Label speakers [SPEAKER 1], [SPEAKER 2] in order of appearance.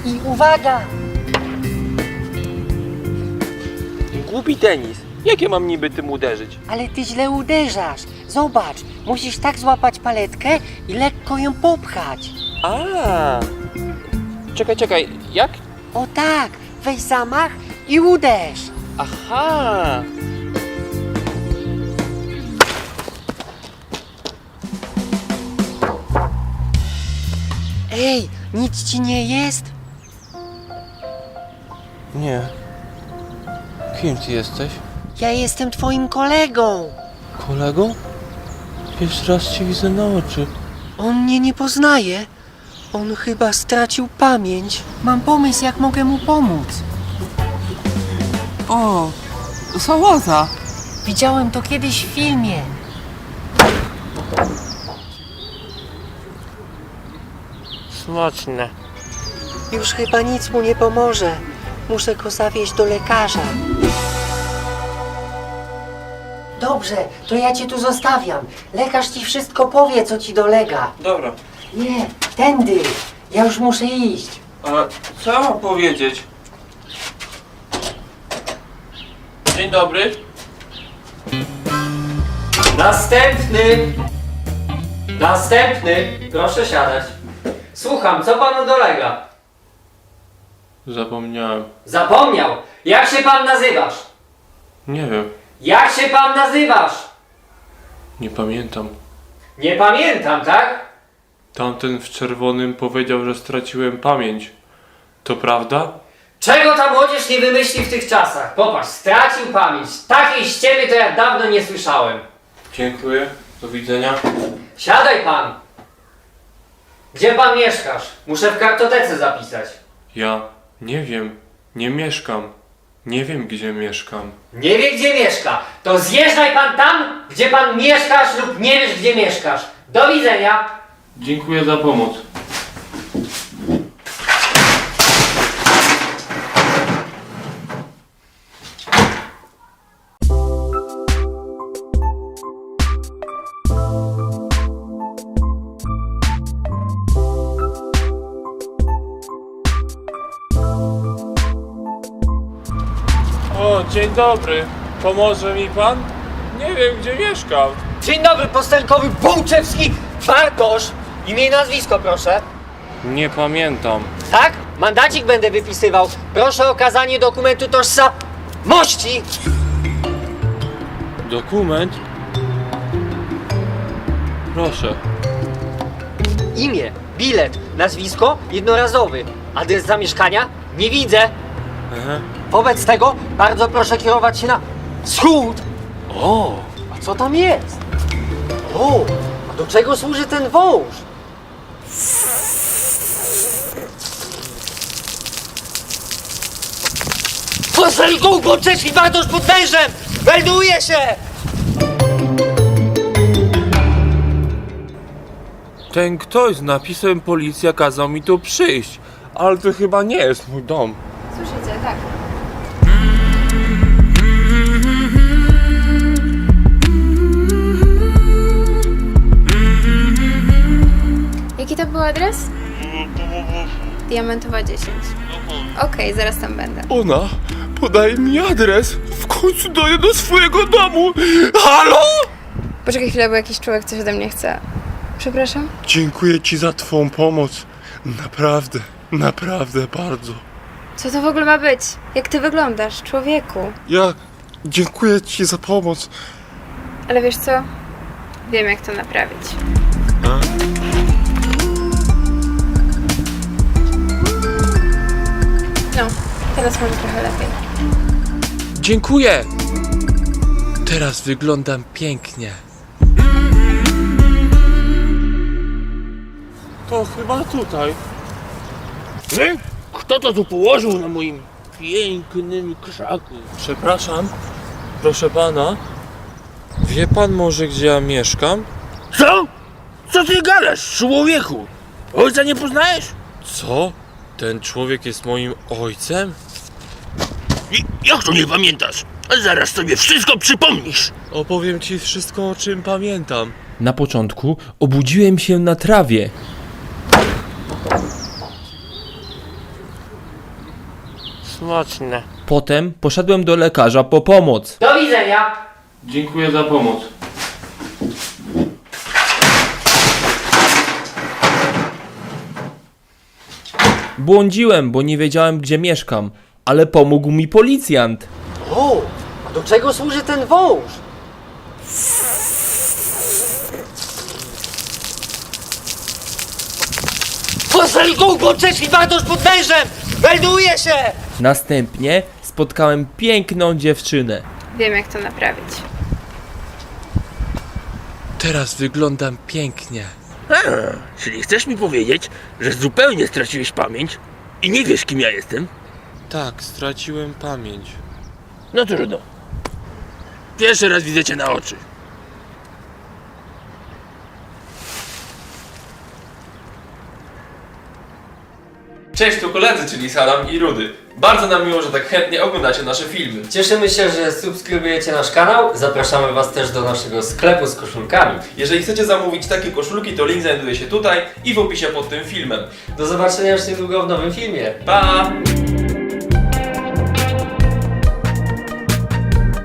[SPEAKER 1] I uwaga!
[SPEAKER 2] Głupi tenis. Jak ja mam niby tym uderzyć?
[SPEAKER 1] Ale ty źle uderzasz. Zobacz, musisz tak złapać paletkę i lekko ją popchać.
[SPEAKER 2] A. Czekaj, jak?
[SPEAKER 1] O tak, weź zamach i uderz.
[SPEAKER 2] Aha.
[SPEAKER 1] Ej, nic ci nie jest?
[SPEAKER 2] Nie. Kim ty jesteś?
[SPEAKER 1] Ja jestem twoim kolegą.
[SPEAKER 2] Kolego? Pierwszy raz cię widzę na oczy.
[SPEAKER 1] On mnie nie poznaje. On chyba stracił pamięć. Mam pomysł, jak mogę mu pomóc.
[SPEAKER 3] O, sałata.
[SPEAKER 1] Widziałem to kiedyś w filmie.
[SPEAKER 2] Smaczne.
[SPEAKER 1] Już chyba nic mu nie pomoże. Muszę go zawieźć do lekarza. Dobrze, to ja cię tu zostawiam. Lekarz ci wszystko powie, co ci dolega.
[SPEAKER 2] Dobra.
[SPEAKER 1] Nie, tędy. Ja już muszę iść.
[SPEAKER 2] A co mam powiedzieć? Dzień dobry.
[SPEAKER 4] Następny! Następny! Proszę siadać. Słucham, co panu dolega?
[SPEAKER 2] Zapomniałem.
[SPEAKER 4] Zapomniał! Jak się pan nazywasz?
[SPEAKER 2] Nie wiem.
[SPEAKER 4] Jak się pan nazywasz?
[SPEAKER 2] Nie pamiętam.
[SPEAKER 4] Nie pamiętam, tak?
[SPEAKER 2] Tamten w czerwonym powiedział, że straciłem pamięć. To prawda?
[SPEAKER 4] Czego ta młodzież nie wymyśli w tych czasach? Popatrz, stracił pamięć. Takiej ściemy to ja dawno nie słyszałem.
[SPEAKER 2] Dziękuję. Do widzenia.
[SPEAKER 4] Siadaj pan! Gdzie pan mieszkasz? Muszę w kartotece zapisać.
[SPEAKER 2] Ja nie wiem. Nie mieszkam. Nie wiem, gdzie mieszkam.
[SPEAKER 4] Nie wie gdzie mieszka. To zjeżdżaj pan tam, gdzie pan mieszkasz lub nie wiesz gdzie mieszkasz. Do widzenia!
[SPEAKER 2] Dziękuję za pomoc. O, dzień dobry. Pomoże mi pan? Nie wiem, gdzie mieszkam.
[SPEAKER 4] Dzień dobry, postelkowy Bołczewski Bartosz. Imię i nazwisko, proszę.
[SPEAKER 2] Nie pamiętam.
[SPEAKER 4] Tak? Mandacik będę wypisywał. Proszę o okazanie dokumentu tożsamości.
[SPEAKER 2] Dokument? Proszę.
[SPEAKER 4] Imię, bilet, nazwisko jednorazowy. Adres zamieszkania? Nie widzę.
[SPEAKER 2] Aha.
[SPEAKER 4] Wobec tego bardzo proszę kierować się na wschód.
[SPEAKER 2] O!
[SPEAKER 4] A co tam jest? O, a do czego służy ten wąż? Postelką Bołczewski Bartosz pod wężem! Melduje się!
[SPEAKER 2] Ten ktoś z napisem policja kazał mi tu przyjść. Ale to chyba nie jest mój dom.
[SPEAKER 5] Słyszycie, tak. Jaki to był adres? Diamentowa 10. Okej, zaraz tam będę.
[SPEAKER 2] Ona podaje mi adres. W końcu doję do swojego domu. Halo?
[SPEAKER 5] Poczekaj chwilę, bo jakiś człowiek coś ode mnie chce. Przepraszam?
[SPEAKER 6] Dziękuję ci za twą pomoc. Naprawdę bardzo.
[SPEAKER 5] Co to w ogóle ma być? Jak ty wyglądasz, człowieku?
[SPEAKER 6] Ja dziękuję ci za pomoc.
[SPEAKER 5] Ale wiesz co? Wiem, jak to naprawić. No, teraz może trochę lepiej.
[SPEAKER 2] Dziękuję. Teraz wyglądam pięknie. To chyba tutaj.
[SPEAKER 7] Kto to tu położył na moim pięknym krzaku?
[SPEAKER 2] Przepraszam. Proszę pana. Wie pan może, gdzie ja mieszkam?
[SPEAKER 7] Co? Co ty gadasz, człowieku? Ojca nie poznajesz?
[SPEAKER 2] Co? Ten człowiek jest moim ojcem?
[SPEAKER 7] Jak to nie pamiętasz? Zaraz sobie wszystko przypomnisz.
[SPEAKER 2] Opowiem ci wszystko, o czym pamiętam.
[SPEAKER 8] Na początku obudziłem się na trawie.
[SPEAKER 7] Smaczne.
[SPEAKER 8] Potem poszedłem do lekarza po pomoc.
[SPEAKER 4] Do widzenia!
[SPEAKER 2] Dziękuję za pomoc.
[SPEAKER 8] Błądziłem, bo nie wiedziałem, gdzie mieszkam, ale pomógł mi policjant.
[SPEAKER 1] O, a do czego służy ten wąż? Postań go, uboczeczki, bardosz pod wężem! Melduję się!
[SPEAKER 8] Następnie spotkałem piękną dziewczynę.
[SPEAKER 5] Wiem, jak to naprawić.
[SPEAKER 2] Teraz wyglądam pięknie.
[SPEAKER 7] Czyli chcesz mi powiedzieć, że zupełnie straciłeś pamięć i nie wiesz, kim ja jestem?
[SPEAKER 2] Tak, straciłem pamięć.
[SPEAKER 7] No trudno. Pierwszy raz widzę cię na oczy.
[SPEAKER 2] Cześć, tu koledzy, czyli Salam i Rudy. Bardzo nam miło, że tak chętnie oglądacie nasze filmy.
[SPEAKER 4] Cieszymy się, że subskrybujecie nasz kanał. Zapraszamy Was też do naszego sklepu z koszulkami.
[SPEAKER 2] Jeżeli chcecie zamówić takie koszulki, to link znajduje się tutaj i w opisie pod tym filmem.
[SPEAKER 4] Do zobaczenia już niedługo w nowym filmie.
[SPEAKER 2] Pa!